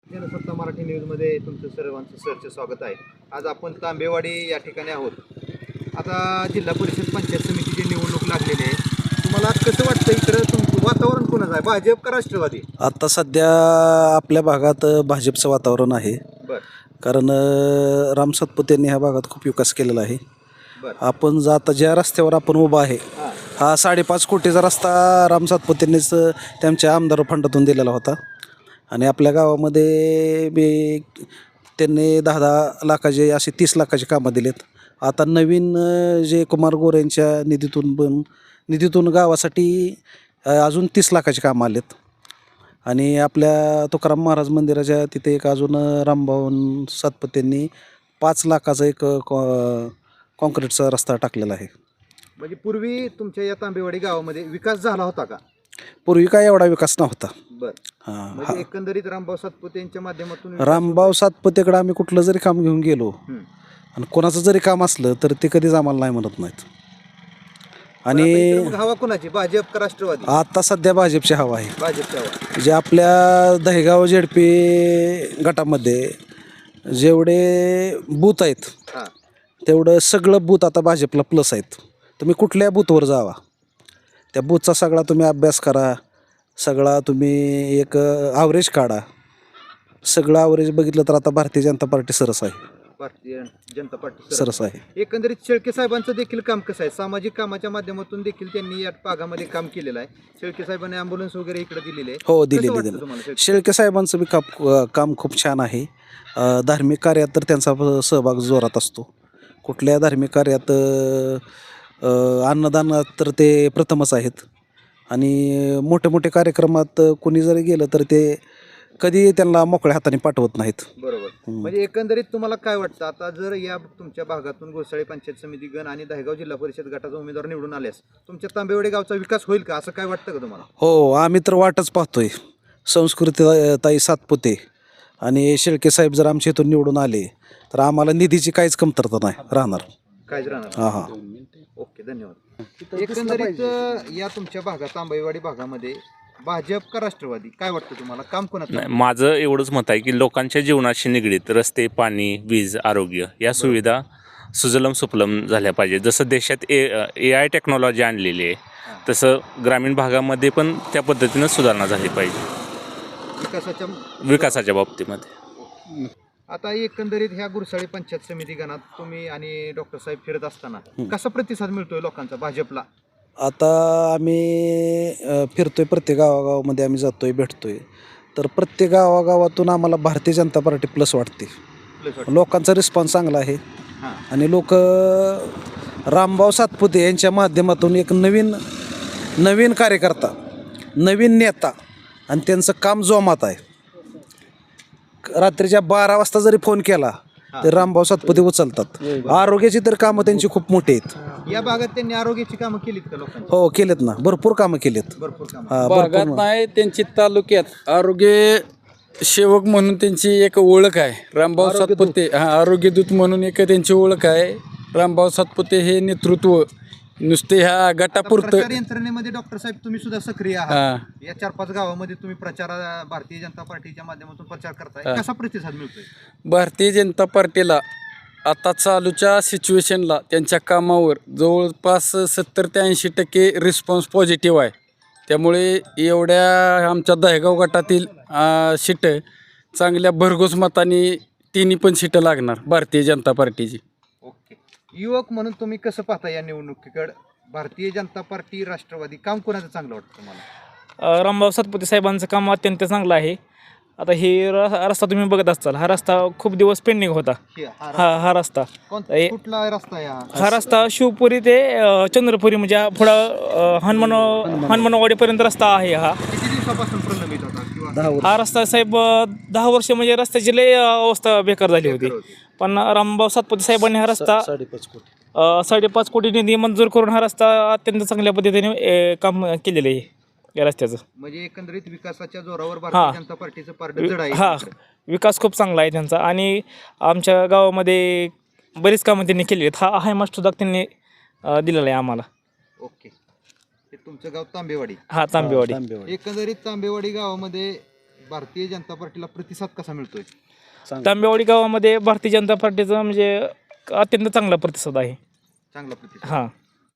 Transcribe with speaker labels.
Speaker 1: जनसत्ता मराठी न्यूजमध्ये तुमचं सर्वांचं सरचे स्वागत आहे. आज आपण तांबेवाडी या ठिकाणी आहोत. आता जिल्हा परिषद पंचायत समितीची निवडणूक लागलेली आहे. तुम्हाला कसं वाटतं इकडं तुमचं वातावरण कोणाचं आहे, भाजप का राष्ट्रवादी?
Speaker 2: आता सध्या आपल्या भागात भाजपचं वातावरण आहे.
Speaker 1: बरं
Speaker 2: कारण राम सातपुतेंनी ह्या भागात खूप विकास केलेला आहे.
Speaker 1: बरं
Speaker 2: आपण आता ज्या रस्त्यावर आपण उभा आहे
Speaker 1: हां
Speaker 2: हा 5.5 कोटीचा रस्ता राम सातपुतेंनीच त्यांच्या आमदार फंडातून दिलेला होता. आणि आपल्या गावामध्ये बी त्यांनी 10-10 लाखाचे असे 30 लाखाचे कामं दिलेत. आता नवीन जे कुमार गोरेंच्या निधीतून गावासाठी अजून 30 लाखाचे कामं आलेत. आणि आपल्या तुकाराम महाराज मंदिराच्या तिथे एक अजून रामभाऊ सातपुतेंनी 5 लाखाचा एक कॉन्क्रीटचा रस्ता टाकलेला आहे.
Speaker 1: म्हणजे पूर्वी तुमच्या या तांबेवाडी गावामध्ये विकास झाला होता का?
Speaker 2: पूर्वी काय एवढा विकास नव्हता.
Speaker 1: बरं
Speaker 2: हां
Speaker 1: म्हणजे एकंदरीत रामभाऊ सातपुते यांच्या माध्यमातून
Speaker 2: रामभाऊ सातपुतेकडे आम्ही कुठलं जरी काम घेऊन गेलो
Speaker 1: हं.
Speaker 2: आणि कोणाचं जरी काम असलं तर ते कधीच आम्हाला नाही म्हणत नाहीत.
Speaker 1: आणि
Speaker 2: आणि
Speaker 1: मग हवा कोणाची, भाजप का राष्ट्रवादी?
Speaker 2: आता सध्या भाजपची हवा आहे.
Speaker 1: भाजपची हवा.
Speaker 2: जे आपल्या दहेगाव झेडपी गटामध्ये जेवढे बूथ आहेत
Speaker 1: हां
Speaker 2: तेवढं सगळं बूथ आता भाजपला प्लस आहेत. तुम्ही कुठल्या बूथवर जावा, त्या बूथचा सगळा तुम्ही अभ्यास करा, सगळा तुम्ही एक ॲव्हरेज काढा. सगळं ॲव्हरेज बघितलं तर आता भारतीय जनता पार्टी सरस आहे.
Speaker 1: भारतीय जनता पार्टी
Speaker 2: सरस आहे.
Speaker 1: एकंदरीत शेळके साहेबांचं देखील काम कसं आहे, सामाजिक कामाच्या माध्यमातून देखील त्यांनी या भागामध्ये काम केलेलं आहे. शेळके साहेबांनी ॲम्ब्युलन्स वगैरे इकडे दिलेले आहे.
Speaker 2: हो
Speaker 1: कसं
Speaker 2: दिलेली
Speaker 1: वाटतं
Speaker 2: दिली.
Speaker 1: तुम्हाला शेळके?
Speaker 2: शेळके साहेबांचं बी काम खूप छान आहे. धार्मिक कार्यात तर त्यांचा सहभाग जोरात असतो. कुठल्या धार्मिक कार्यात अन्नदानात तर ते प्रथमच आहेत. आणि मोठे मोठे कार्यक्रमात कोणी जरी गेलं तर ते कधी त्यांना मोकळ्या हाताने पाठवत नाहीत.
Speaker 1: बरोबर. म्हणजे एकंदरीत तुम्हाला काय वाटतं, आता जर या तुमच्या भागातून घोसाळे पंचायत समिती गण आणि दहेगाव जिल्हा परिषद गटाचा उमेदवार निवडून आल्यास तुमच्या तांबेवाडी गावचा विकास होईल का, असं काय वाटतं का तुम्हाला?
Speaker 2: हो आम्ही तर वाटच पाहतोय. ताई सातपुते आणि शेळके साहेब जर आमच्या इथून निवडून आले तर आम्हाला निधीची काहीच कमतरता नाही राहणार.
Speaker 1: काहीच राहणार.
Speaker 2: हां हां.
Speaker 1: ओके, धन्यवाद. एकंदरीत या तुमच्या भागात तांबेवाडी भागामध्ये भाजप का राष्ट्रवादी, काय वाटतं तुम्हाला, काम कोणाचं?
Speaker 3: नाही, माझं एवढंच मत आहे की लोकांच्या जीवनाशी निगडीत रस्ते, पाणी, वीज, आरोग्य या सुविधा सुजलम सुफलम झाल्या पाहिजे. जसं देशात AI टेक्नॉलॉजी आणलेली आहे तसं ग्रामीण भागामध्ये पण त्या पद्धतीनं सुधारणा झाली पाहिजे विकासाच्या बाबतीमध्ये.
Speaker 1: आता एकंदरीत ह्या गुरसाळी पंचायत समिती गणात तुम्ही आणि डॉक्टर साहेब फिरत असताना कसा प्रतिसाद मिळतोय लोकांचा भाजपला?
Speaker 2: आता आम्ही फिरतोय, प्रत्येक गावागावामध्ये आम्ही जातोय, भेटतोय. तर प्रत्येक गावागावातून आम्हाला भारतीय जनता पार्टी प्लस वाटते. लोकांचा रिस्पॉन्स चांगला आहे.
Speaker 1: हां
Speaker 2: आणि लोक रामभाऊ सातपुते यांच्या माध्यमातून एक नवीन कार्यकर्ता, नवीन नेता आणि त्यांचं काम जोमात आहे. रात्रीच्या 12 वाजता जरी फोन केला तर रामभाऊ सातपुते उचलतात. आरोग्याची तर कामं त्यांची खूप मोठी आहेत.
Speaker 1: या भागात त्यांनी आरोग्याची कामं केलीत का लोकांची?
Speaker 2: हो केलेत ना, भरपूर कामं केलेत.
Speaker 1: भरपूर कामं.
Speaker 2: हा,
Speaker 4: भागात
Speaker 2: भरपूर.
Speaker 4: नाही, त्यांची तालुक्यात आरोग्य सेवक म्हणून त्यांची एक ओळख आहे. रामभाऊ सातपुते आरोग्यदूत म्हणून एक त्यांची ओळख आहे. रामभाऊ सातपुते हे नेतृत्व नुसते ह्या गटापुरतं.
Speaker 1: प्रचार यंत्रणेमध्ये डॉक्टर साहेब तुम्ही सुद्धा सक्रिय आहात.
Speaker 4: हां.
Speaker 1: या 4-5 गावामध्ये तुम्ही भारतीय जनता पार्टीच्या माध्यमातून प्रचार करताय, कसा प्रतिसाद मिळतोय?
Speaker 4: भारतीय जनता पार्टीला आता चालूच्या सिच्युएशनला त्यांच्या कामावर जवळपास 70 ते 80% रिस्पॉन्स पॉझिटिव्ह आहे. त्यामुळे एवढ्या आमच्या दहेगाव गटातील सीटं चांगल्या भरघोस मताने तिन्ही पण सीटं लागणार भारतीय जनता पार्टीची.
Speaker 1: ओके. युवक म्हणून तुम्ही कसं पाहता या निवडणुकीकडे, भारतीय जनता पार्टी राष्ट्रवादी, काम कोणाचं चांगलं वाटतं तुम्हाला?
Speaker 5: रामभाऊ सातपुते साहेबांचं काम अत्यंत चांगलं आहे. आता हे रस्ता तुम्ही बघत असाल, हा रस्ता खूप दिवस पेंडिंग होता. हा रस्ता
Speaker 1: कुठला रस्ता आहे
Speaker 5: हा रस्ता शिवपुरी ते चंद्रपुरी म्हणजे पुढं हनुमानवाडीपर्यंत रस्ता आहे. हा
Speaker 1: किती दिवसापासून प्रलंबित होता किंवा
Speaker 5: हा रस्ता साहेब 10 वर्ष म्हणजे रस्त्याची लय अवस्था बेकार झाली होती. पण रामभाऊ सातपुते साहेबांनी हा रस्ता 5.5 कोटी निधी मंजूर करून हा रस्ता अत्यंत चांगल्या पद्धतीने काम केलेलं आहे या रस्त्याचं.
Speaker 1: म्हणजे एकंदरीत विकासाच्या जोरावर भारतीय जनता पार्टीचं पारडं जड आहे.
Speaker 5: हा विकास खूप चांगला आहे त्यांचा. आणि आमच्या गावामध्ये बरीच कामं त्यांनी केली आहेत. हा हायमास्ट सुद्धा त्यांनी दिलेला आहे आम्हाला.
Speaker 1: ओके. हे तुमचं गाव तांबेवाडी.
Speaker 5: हा तांबेवाडी.
Speaker 1: एकंदरीत तांबेवाडी गावामध्ये भारतीय जनता पार्टीला प्रतिसाद कसा मिळतोय?
Speaker 5: तांबेवाडी गावामध्ये भारतीय जनता पार्टीचा म्हणजे अत्यंत चांगला प्रतिसाद आहे.
Speaker 1: चांगला प्रतिसाद.
Speaker 5: हां.